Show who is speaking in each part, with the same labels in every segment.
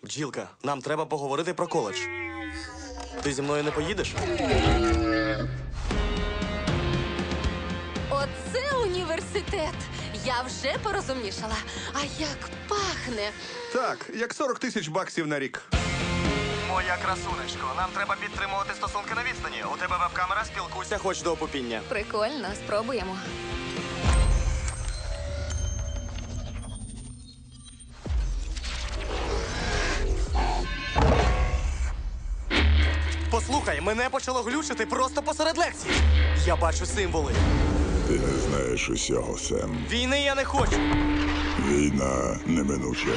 Speaker 1: Бджілка, нам треба поговорити про коледж. Ти зі мною не поїдеш?
Speaker 2: Оце університет. Я вже порозумнішала. А як пахне.
Speaker 3: Так, як 40 тисяч баксів на рік.
Speaker 1: Моя красунечко, нам треба підтримувати стосунки на відстані. У тебе веб-камера, спілкуйся хоч до опупіння.
Speaker 2: Прикольно, спробуємо.
Speaker 1: Послухай, мене почало глючити просто посеред лекції. Я бачу символи.
Speaker 4: Ти не знаєш усього, Сем.
Speaker 1: Війни я не хочу.
Speaker 4: Війна неминуча.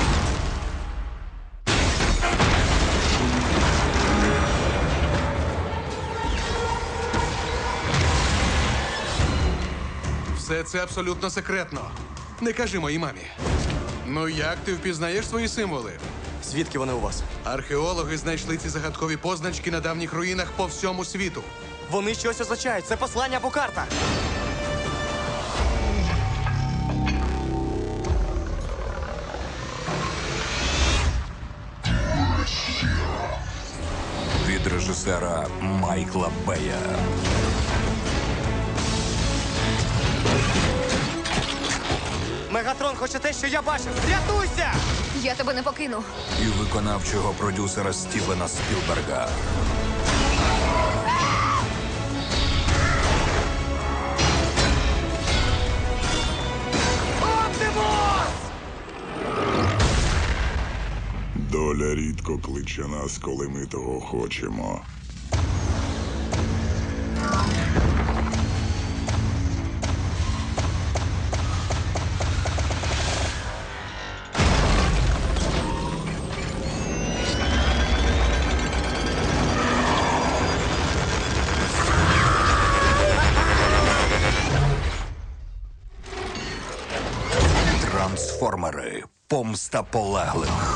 Speaker 5: Все це абсолютно секретно. Не кажи моїй мамі. Ну як ти впізнаєш свої символи?
Speaker 1: Звідки вони у вас?
Speaker 5: Археологи знайшли ці загадкові позначки на давніх руїнах по всьому світу.
Speaker 1: Вони щось означають. Це послання або карта.
Speaker 6: Від режисера Майкла Бея.
Speaker 1: Мегатрон хоче те, що я бачив. Рятуйся!
Speaker 2: Я тебе не покину.
Speaker 6: І виконавчого продюсера Стівена Спілберга.
Speaker 4: Доля рідко кличе нас, коли ми того хочемо.
Speaker 6: Трансформери. Помста полеглих.